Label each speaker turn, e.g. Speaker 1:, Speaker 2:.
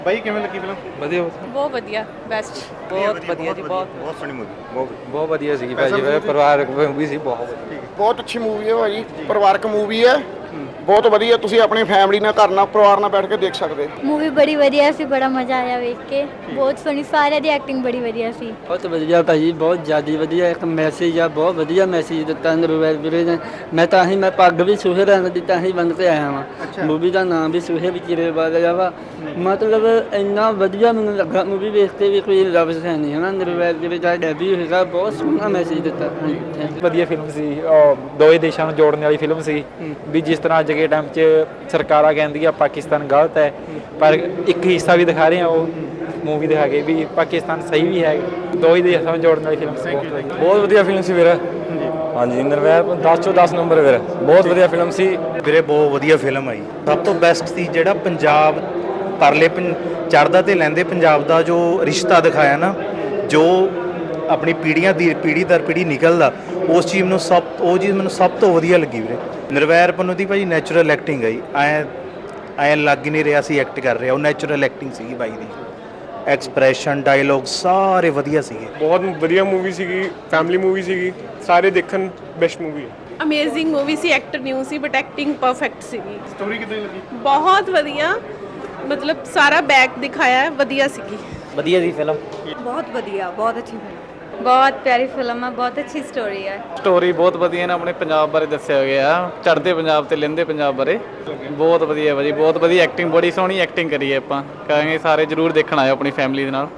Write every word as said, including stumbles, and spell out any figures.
Speaker 1: ਬਾਈ ਕਿਵੇਂ ਲੱਗੀ ਫਿਲਮ?
Speaker 2: ਵਧੀਆ
Speaker 3: ਬਹੁਤ ਵਧੀਆ ਬੈਸਟ
Speaker 2: ਬਹੁਤ ਵਧੀਆ ਜੀ ਬਹੁਤ
Speaker 1: ਬਹੁਤ ਸੋਹਣੀ ਮੂਵੀ ਬਹੁਤ
Speaker 2: ਬਹੁਤ ਵਧੀਆ ਸੀਗੀ ਭਾਜੀ ਪਰਿਵਾਰਕ ਮੂਵੀ ਸੀ ਬਹੁਤ ਵਧੀਆ
Speaker 4: ਬਹੁਤ ਅੱਛੀ ਮੂਵੀ ਹੈ ਭਾਜੀ ਪਰਿਵਾਰਕ ਮੂਵੀ ਹੈ ਬਹੁਤ ਵਧੀਆ ਤੁਸੀਂ ਆਪਣੀ ਫੈਮਿਲੀ ਨਾਲ ਘਰ ਨਾਲ ਪਰਿਵਾਰ ਨਾਲ ਬੈਠ ਕੇ ਦੇਖ ਸਕਦੇ
Speaker 5: मूवी बड़ी वधिया सी बड़ा मजा आया वेख के बहुत सोहनी सारिਆਂ ਦੀ ਐਕਟਿੰਗ बड़ी वधिया सी
Speaker 6: ਬਹੁਤ ਵਧੀਆ ਭਾਜੀ ਬਹੁਤ ਜ਼ਿਆਦਾ ਵਧੀਆ ਇੱਕ ਮੈਸੇਜ ਆ ਬਹੁਤ ਵਧੀਆ ਮੈਸੇਜ ਦਿੱਤਾ ਨਿਰਵੈਰ ਵੀਰੇ ਨੇ ਮੈਂ ਤਾਂ ਹੀ ਮੈਂ ਪੱਗ ਵੀ ਸੂਹੇ ਰੰਗ ਦੀ ਤਾਂ ਹੀ ਬੰਨ ਕੇ ਆਇਆ ਵਾਂ ਮੂਵੀ ਦਾ ਨਾਮ ਵੀ ਸੂਹੇ ਵਿੱਚ ਚਿਰੇ ਵਾਲਿਆ ਵਾ ਮਤਲਬ ਇੰਨਾ ਵਧੀਆ ਮੈਨੂੰ ਲੱਗਾ ਮੂਵੀ ਵੇਖ ਕੇ ਵੀ ਕੋਈ ਲਫ਼ਜ਼ ਹੈ ਨਹੀਂ ਹੈ ਨਾ ਨਿਰਵੈਰ ਵੀਰੇ ਦਾ ਡੈਬਿਊ ਹੈਗਾ ਬਹੁਤ ਸੋਹਣਾ ਮੈਸੇਜ ਦਿੱਤਾ ਹਾਂਜੀ ਥੈਂਕ ਯੂ
Speaker 7: ਵਧੀਆ ਫਿਲਮ ਸੀ ਦੋਵੇਂ ਦੇਸ਼ਾਂ ਨੂੰ ਜੋੜਨ ਵਾਲੀ ਫਿਲਮ ਸੀ ਵੀ ਜਿਸ ਤਰ੍ਹਾਂ ਅੱਜ ਦੇ ਟਾਈਮ 'ਚ ਸਰਕਾਰਾਂ ਕਹਿੰਦੀਆਂ ਪਾਕਿਸਤਾਨ ਗਲਤ ਹੈ ਪਰ ਇੱਕ ਹਿੱਸਾ ਵੀ ਦਿਖਾ ਰਹੇ ਆ ਉਹ ਮੂਵੀ ਦਿਖਾ ਕੇ ਵੀ ਪਾਕਿਸਤਾਨ ਸਹੀ ਵੀ ਹੈ ਦੋਵੇਂ ਦੇਸ਼ਾਂ ਨੂੰ ਜੋੜਨ ਵਾਲੀ ਫਿਲਮ ਸੀ
Speaker 2: ਬਹੁਤ ਵਧੀਆ ਫਿਲਮ ਸੀ ਵੀਰ ਹਾਂਜੀ ਨਿਰਵੈਰ ਦਸ ਚੋਂ ਦਸ ਨੰਬਰ ਵੀਰ ਬਹੁਤ ਵਧੀਆ ਫਿਲਮ ਸੀ
Speaker 1: ਵੀਰੇ ਬਹੁਤ ਵਧੀਆ ਫਿਲਮ ਆਈ ਸਭ ਤੋਂ ਬੈਸਟ ਸੀ ਜਿਹੜਾ ਪੰਜਾਬ ਪਰਲੇ ਚੜ੍ਹਦਾ ਤੇ ਲੈਂਦੇ ਪੰਜਾਬ ਦਾ ਜੋ ਰਿਸ਼ਤਾ ਦਿਖਾਇਆ ਨਾ ਜੋ ਆਪਣੀ ਪੀੜ੍ਹੀਆਂ ਦੀ ਪੀੜ੍ਹੀ ਦਰ ਪੀੜ੍ਹੀ ਨਿਕਲਦਾ ਉਸ ਚੀਜ਼ ਨੂੰ ਸਭ ਉਹ ਚੀਜ਼ ਮੈਨੂੰ ਸਭ ਤੋਂ ਵਧੀਆ ਲੱਗੀ ਵੀਰੇ ਨਿਰਵੈਰ ਪੰਨੂ ਦੀ ਭਾਜੀ ਨੈਚੁਰਲ ਐਕਟਿੰਗ ਆਈ ਐ ਐਂ ਲੱਗ ਹੀ ਨਹੀਂ ਰਿਹਾ ਸੀ ਐਕਟ ਕਰ ਰਿਹਾ ਉਹ ਨੈਚੁਰਲ ਐਕਟਿੰਗ ਸੀਗੀ ਬਾਈ ਦੀ ਐਕਸਪ੍ਰੈਸ਼ਨ ਡਾਇਲੋਗ ਸਾਰੇ ਵਧੀਆ ਸੀਗੇ
Speaker 8: ਬਹੁਤ ਵਧੀਆ ਮੂਵੀ ਸੀਗੀ ਫੈਮਿਲੀ ਮੂਵੀ ਸੀਗੀ ਸਾਰੇ ਦੇਖਣ ਬੈਸਟ ਮੂਵੀ ਹੈ
Speaker 3: ਅਮੇਜ਼ਿੰਗ ਮੂਵੀ ਸੀ ਐਕਟਰ ਨਿਊ ਸੀ ਬਟ ਐਕਟਿੰਗ ਪਰਫੈਕਟ ਸੀਗੀ
Speaker 1: ਸਟੋਰੀ ਕਿਦਾਂ ਲੱਗੀ?
Speaker 3: ਬਹੁਤ ਵਧੀਆ ਮਤਲਬ ਸਾਰਾ ਬੈਕ ਦਿਖਾਇਆ ਹੈ ਵਧੀਆ ਸੀਗੀ
Speaker 2: ਵਧੀਆ ਸੀ ਫਿਲਮ
Speaker 5: बहुत बढ़िया बहुत अच्छी फिल्म बहुत प्यारी फिल्म है बहुत अच्छी स्टोरी है
Speaker 2: ਸਟੋਰੀ ਬਹੁਤ ਵਧੀਆ ਨੇ ਆਪਣੇ ਪੰਜਾਬ ਬਾਰੇ ਦੱਸਿਆ ਗਿਆ ਚੜ੍ਹਦੇ ਪੰਜਾਬ ਤੇ ਲਹਿੰਦੇ ਪੰਜਾਬ ਬਾਰੇ ਬਹੁਤ ਵਧੀਆ ਭਾਜੀ ਬਹੁਤ ਵਧੀਆ ਐਕਟਿੰਗ ਬੜੀ ਸੋਹਣੀ ਐਕਟਿੰਗ ਕਰੀ ਹੈ ਆਪਾਂ ਕਹਾਂਗੇ ਸਾਰੇ ਜਰੂਰ ਦੇਖਣ ਆਇਓ ਆਪਣੀ ਫੈਮਿਲੀ ਦੇ ਨਾਲ